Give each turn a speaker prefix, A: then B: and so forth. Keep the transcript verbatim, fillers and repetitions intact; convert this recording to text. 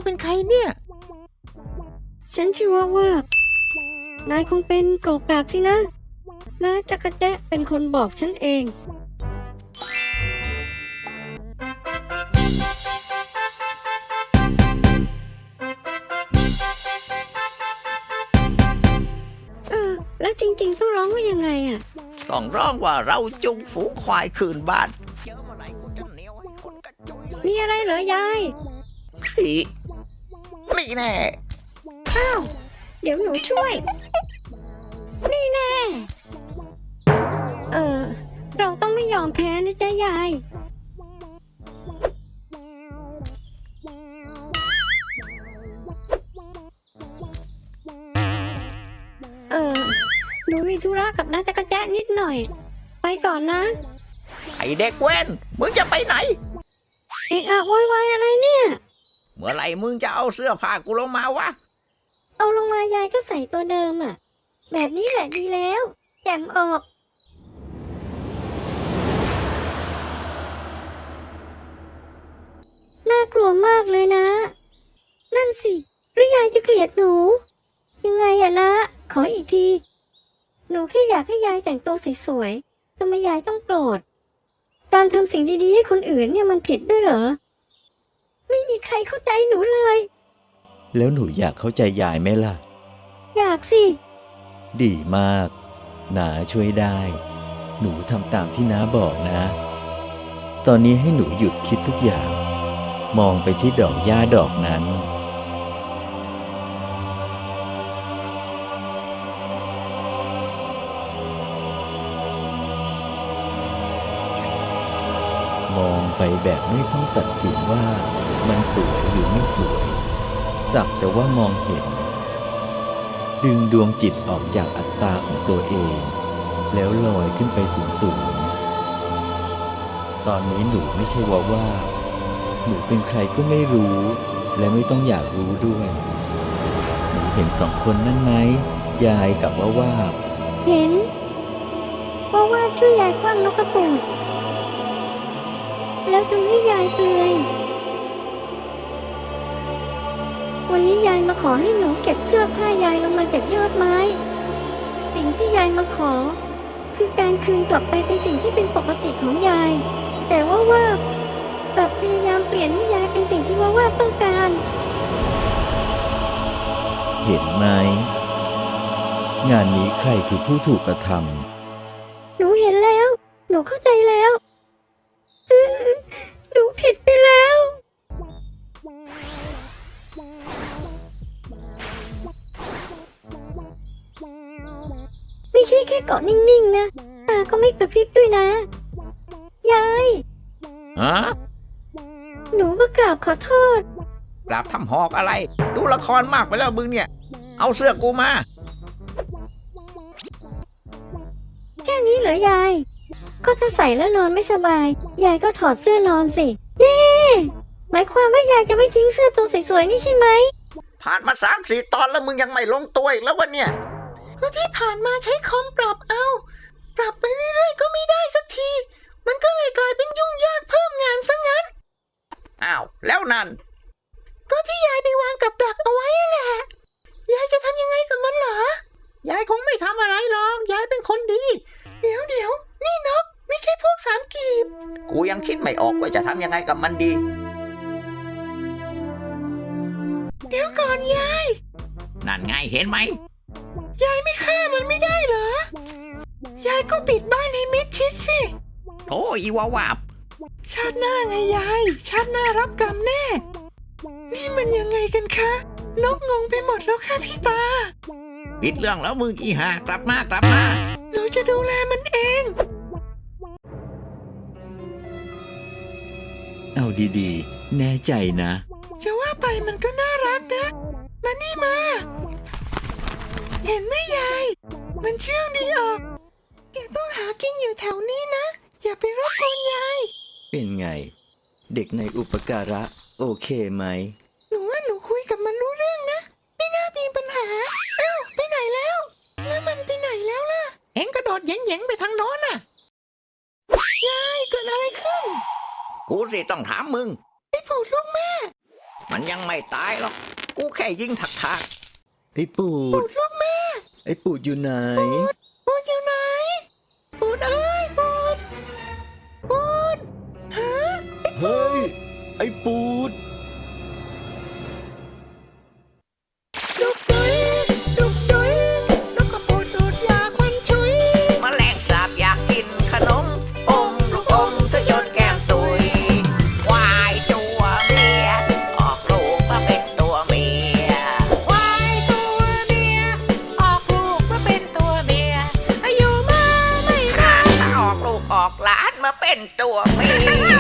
A: อเป็นใครเนี่ย
B: ฉันชื่อว่าว่านายคงเป็นโกรกกรากสินะน้าจักรแจ๊ะเป็นคนบอกฉันเองเออแล้วจริงๆต้องร้องว่ายังไงอ่ะ
C: ต้องร้องว่าเราจุงฝูงควายคืนบ้านเจอเมื่อไหร่กูจะเหนียวให้คนกระจุยเลย
B: มีอะไรเหรอยาย
C: พี่นี่แน่
B: อ้าวเดี๋ยวหนูช่วยนี่แน่เออเราต้องไม่ยอมแพ้นะจ๊ะยายเออหนูมีธุระกับน้าจักรแจ๊ะนิดหน่อยไปก่อนนะ
C: ไอเด็กเว้นมึงจะไปไหน
B: เอะอะโวยวายอะไรเนี่ย
C: เมื่อไหร่มึงจะเอาเสื้อผ้ากูลงมาวะ
B: เอาลงมายายก็ใส่ตัวเดิมอ่ะแบบนี้แหละดีแล้วแจ่มออกน่ากลัวมากเลยนะนั่นสิหรือยายจะเกลียดหนูยังไงอะนะขออีกทีหนูแค่อยากให้ยายแต่งตัวสวยๆทำไมยายต้องโกรธการทำสิ่งดีๆให้คนอื่นเนี่ยมันผิดด้วยเหรอไม่มีใครเข้าใจหนูเลย
D: แล้วหนูอยากเข้าใจยายไหมล่ะ
B: อยากสิ
D: ดีมากน้าช่วยได้หนูทำตามที่น้าบอกนะตอนนี้ให้หนูหยุดคิดทุกอย่างมองไปที่ดอกหญ้าดอกนั้นมองไปแบบไม่ต้องตัดสินว่ามันสวยหรือไม่สวยสักแต่ว่ามองเห็นดึงดวงจิตออกจากอัตตาของตัวเองแล้วลอยขึ้นไปสูงๆตอนนี้หนูไม่ใช่ว่าว่าหนูเป็นใครก็ไม่รู้และไม่ต้องอยากรู้ด้วยหนูเห็นสองคนนั่นไหมยายกับว่าว่า
B: เห็นว่าว่าช่วยยายคว้างนกกระปูดแล้วทำให้ยายเปลือยวันนี้ยายมาขอให้หนูเก็บเสื้อผ้ายายลงมาจากยอดไม้สิ่งที่ยายมาขอคือการคืนกลับไปเป็นสิ่งที่เป็นปกติของยายแต่ว่าว่ากลับพยายามเปลี่ยนให้ยายเป็นสิ่งที่ว่าว่าต้องการ
D: เห็นไหมงานนี้ใครคือผู้ถูกกระทำ
B: หนูเห็นแล้วหนูเข้าใจแล้วหนูผิดไปแล้วไม่ใช่แค่เกาะนิ่งๆนะตาก็ไม่กระพริบด้วยนะยาย
C: ฮะ
B: หนูมากราบขอโทษ
C: กราบทำหอกอะไรดูละครมากไปแล้วมึงเนี่ยเอาเสื้อกูมา
B: แค่นี้เหรอยายก็ถ้าใส่แล้วนอนไม่สบายยายก็ถอดเสื้อนอนสิเย้หมายความว่ายายจะไม่ทิ้งเสื้อตัวสวยๆนี่ใช่ไหม
C: ผ่านมาสามสี่ตอนแล้วมึงยังไม่ลงตัวอีกแล้ววะเนี่ย
A: ก็ที่ผ่านมาใช้คอมปรับเอาปรับไปเรื่อยๆก็ไม่ได้สักทีมันก็เลยกลายเป็นยุ่งยากเพิ่มงานซะงั้น
C: อ้าวแล้วนั่น
A: ก็ที่ยายไปวางกับดักเอาไว้แหละยายจะทำยังไงกับมันเหรอยายคงไม่ทำอะไรหรอกยายเป็นคนดีเดี๋ยวเดี๋ยวนี่นกไม่ใช่พวกสามกีบ
C: กูยังคิดไม่ออกว่าจะทำยังไงกับมันดี
A: เดี๋ยวก่อนยาย
C: นั่นไงเห็นไหม
A: ยายไม่ฆ่ามันไม่ได้เหรอยายก็ปิดบ้านให้มิดชิดสิ
C: โอ้อีวาวาบ
A: ชาติหน้าไงยายชาติหน้ารับกรรมแน่นี่มันยังไงกันคะนกงงไปหมดแล้วค่ะพี่ตา
C: ปิดเรื่องแล้วมึงอีห่ากลับมากลับมา
A: หนูจะดูแลมันเอง
D: เอาดีๆแน่ใจนะ
A: จะว่าไปมันก็น่ารักนะมานี่มาเห็นไหมยายมันเชื่องดีออกแกต้องหากินอยู่แถวนี้นะอย่าไปรบกวนยาย
D: เป็นไงเด็กในอุปการะโอเคไหม
A: หนูว่าหนูคุยกับมันรู้เรื่องนะไม่น่ามีปัญหาเอ้าไปไหนแล้วแล้วมันไปไหนแล้วล่ะเอ็งกระโดดแหย่งๆไปทางโน้นน่ะยายเกิดอะไรขึ้น
C: กูสิต้องถามมึง
A: ไอ้ผูดลูกแม่
C: มันยังไม่ตายหรอก กูแค่ยิงถักถัก
D: ไอ้ปูด
A: ลูกแม่
D: ไอ้ปูดอยู่ไหน
A: ปูดอยู่ไหน ปูดเอ้ย ปูด ปูด ฮะ
D: เฮ้ย ไอ้ปูด
A: ดุกดุยดุกดุยแล้วก็ปูดดูดยาควันชุย
C: แมลงสาบอยากกินขนม อมลูกอมซะจนแก้มตุยควายตัวเมีย ออกลูกมาเป็นตัวเมีย
A: ควายตัวเมีย ออกลูกมาเป็นตัวเมีย อายุมาไม่
C: ถ้าออกลูกออกหลานมาเป็นตัวเมีย